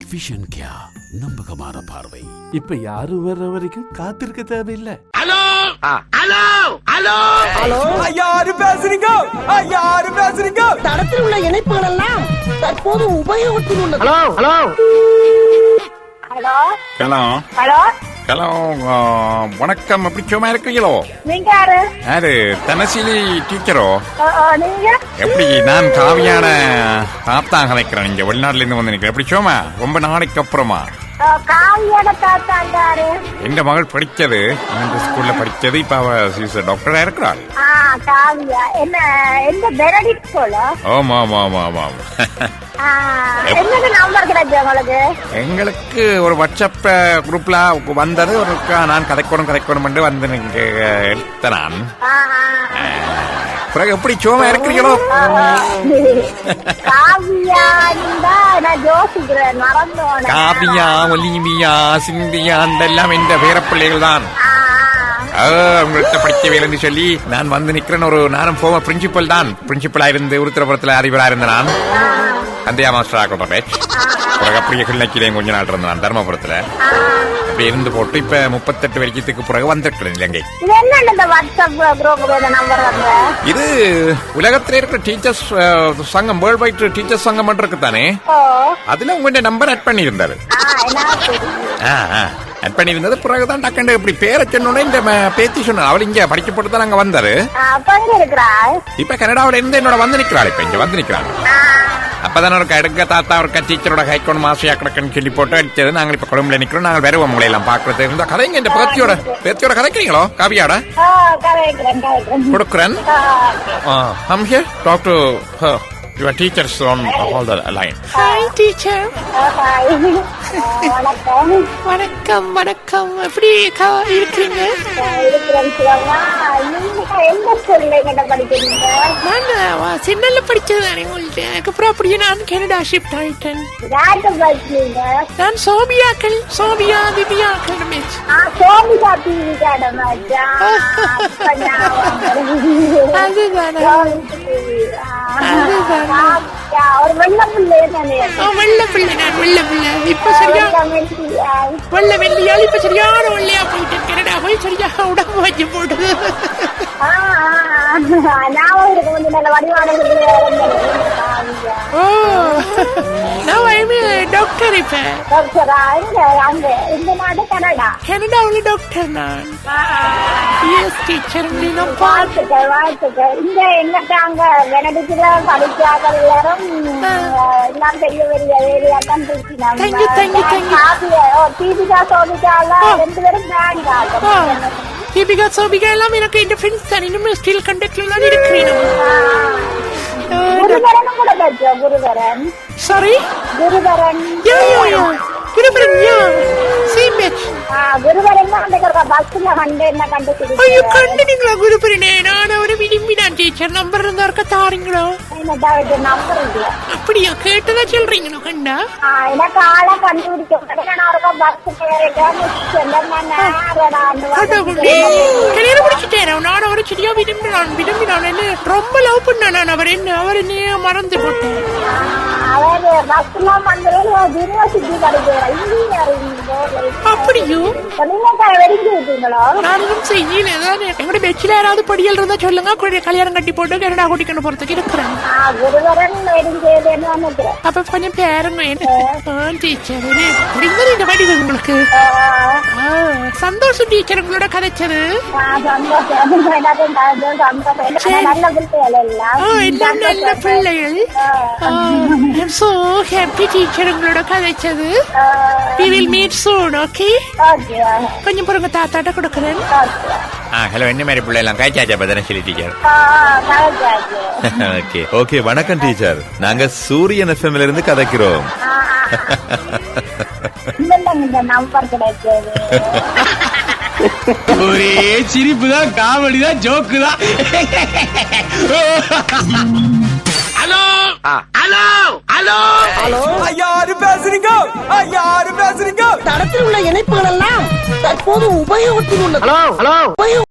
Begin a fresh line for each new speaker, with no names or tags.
Vision கியா, நம்பகமான பார்வை.
இப்ப யாரும் வர்ற வரைக்கும் காத்திருக்க தேவையில்லை.
ஹலோ ஹலோ ஹலோ
ஹலோ,
யாரு பேசுறீங்க? யாரு பேசுறீங்க?
தடத்தில் உள்ள இணைப்புகள் எல்லாம் தற்போது உபயோகத்தில் உள்ளது.
Hello hello
hello
hello
hello
hello வணக்கம். எப்படி சும்மா இருக்கீங்களோ?
நீங்க யாரு?
யாரு? தனசிலி டீச்சரோ?
நீங்க
எப்படி? நான் காவியான தாத்தா கலைக்கிறேன். இங்க வெளிநாட்டுல இருந்து வந்து நிக்கிறேன். எப்படி சும்மா ரொம்ப நாளைக்கு அப்புறமா?
காவியோட தாத்தாண்டாரு.
எந்த மகள் படிச்சது இந்த ஸ்கூல்ல படிச்சது. இப்ப அவ டாக்டரா இருக்கிறாள்.
காவியா என்ன எந்த பெனடிக்ட் ஸ்கூல்?
ஆமா ஆமா ஆமா ஆமா ஆமா.
என்னது நம்பர் கிடைச்சு உங்களுக்கு?
எங்களுக்கு ஒரு வாட்ஸ்அப் குரூப்ல வந்தது. ஒரு நான் கதைக்கணும் வந்து நீங்க எடுத்த நான். பிறகு எப்படி சும்மா இருக்கிறீங்களோ?
காவியா நான் யோசிக்கிறேன், மறந்தோம்.
காவியா, ஒலிவியா, சிந்தியா எல்லாம் இந்த பேரப்பிள்ளைகள் தான். உங்கள்கிட்ட படிக்க வேலைன்னு சொல்லி நான் வந்து நிக்கிறேன். ஒரு நானும் போக பிரின்சிபல் தான். பிரின்சிபலா இருந்து உருத்திரபுரத்துல அதிபரா இருந்த நான் சந்தியா மாஸ்டர் ஆக்கப்பட்டேன். பிறகு அப்படியே கிளிநொச்சியிலையும் கொஞ்ச நாள் இருந்தேன் நான் தர்மபுரத்துல. அப்படி இருந்து போட்டு இப்ப 38 வருஷத்துக்கு பிறகு வந்திருக்கிறேன் இலங்கை. இது உலகத்துல இருக்கிற டீச்சர்ஸ் சங்கம், வேர்ல்ட் வைட் டீச்சர்ஸ் சங்கம் இருக்குதானே, அதுல உங்க நம்பர் ஆட் பண்ணி இருந்தாரு. ஆட் பண்ணி இருந்தது. பிறகுதான் டக்குண்டு இப்படி பேரை சொன்னோட இந்த பேத்தி சொன்ன அவள் இங்க படிக்க போட்டு தான் அங்க வந்தாரு. இப்ப கனடாவில இருந்து என்னோட வந்து நிக்கிறாள். இப்ப இங்க வந்து நிக்கிறாங்க. அப்பதான் ஒரு எடுக்க தாத்தா ஒரு டீச்சரோட கைக்கொண்டு மாசியா கிடக்குன்னு சொல்லி போட்டு அடிச்சது. நாங்க இப்ப கொழும்புல நிக்கிறோம். நாங்கள் வருவோம் உங்களை எல்லாம் பாக்குறது இருந்தா கதைங்க. இந்த பேத்தியோட கதைக்கிறீங்களோ? காவியாட கொடுக்குறேன். I'm here talk to her. Your teachers on all the line.
Hi teacher.
வணக்கம்.
வணக்கம். எப்படி இருக்கீங்க? நான் சின்னல படிச்சதுதானே உங்கள்ட்ட. அதுக்கப்புறம் அப்படியே நான் கனடா ஷிஃப்ட் ஆயிட்டேன். நான் சோபியா திவ்யா அகாடமிக்.
ஒரு வெள்ள பிள்ளை
நான் வெள்ள பிள்ளை. இப்ப சரியா வெள்ளையால் இப்ப சரியான வெள்ளையா போயிட்டேன். கனடா போய் சரியா உடம்பு வச்சு போடுது. டாக்டர். இப்ப கனடாவில் டாக்டர் நான். டீச்சர் தீபிகா சோபிகா எல்லாம் எனக்கு இந்த ஃப்ரெண்ட்ஸ் தான். இன்னும் ஸ்டில் கான்டாக்ட்ல தான் இருக்கிறேன். சாரி குருவரன். Same batch. ஐயோ கண்டுனீங்களா குருபரனே? நான் அவரை விரும்பினான் டீச்சர். நம்பர் இருந்தா இருக்க தாரீங்களோ? அப்படியா? கேட்டதா சொல்றீங்களோ? கண்டா கல்யாணம் முடிச்சுட்டேன். நான் அவரை சரியா விரும்பினான். என்ன ரொம்ப லவ் பண்ண நான் அவர் என்ன மறந்து போட்டேன். அப்படியோ? நானும் செய்யல. எங்களுடைய பெச்சில யாராவது படியல் இருந்தா சொல்லுங்க. கல்யாணம் கட்டி போட்டு கனடா கூட்டிக்கணும் போறதுக்கு இருக்கிறேன். அப்ப கொஞ்சம் பேருங்க டீச்சர். இந்த வடிவு உங்களுக்கு சந்தோஷம் டீச்சர் உங்களோட கதைச்சது. எல்லாம் நல்ல பிள்ளைகள். I'm so happy டீச்சர் உங்களோட கதைச்சது. We will meet soon, okay? கொஞ்சம் பொறுங்க, தாத்தாட்ட கொடுக்குறேன்.
ஹலோ, என்ன மாதிரி பிள்ளை எல்லாம் காய்ச்சாச்சா பதன சொல்லி டீச்சர்?
Okay okay. வணக்கம் டீச்சர். நாங்க சூரியன் எஃப்எம்ல இருந்து கதைக்கிறோம்.
ஒரே சிரிப்பு தான், காமெடி தான், ஜோக்கு தான்.
ஹலோ ஹலோ ஹலோ
ஹலோ,
யாரு பேசுறீங்க? யாரு பேசுறீங்க?
தடத்தில் உள்ள இணைப்புகள் எல்லாம் தற்போது உபயோகத்தில் உள்ளது.
ஹலோ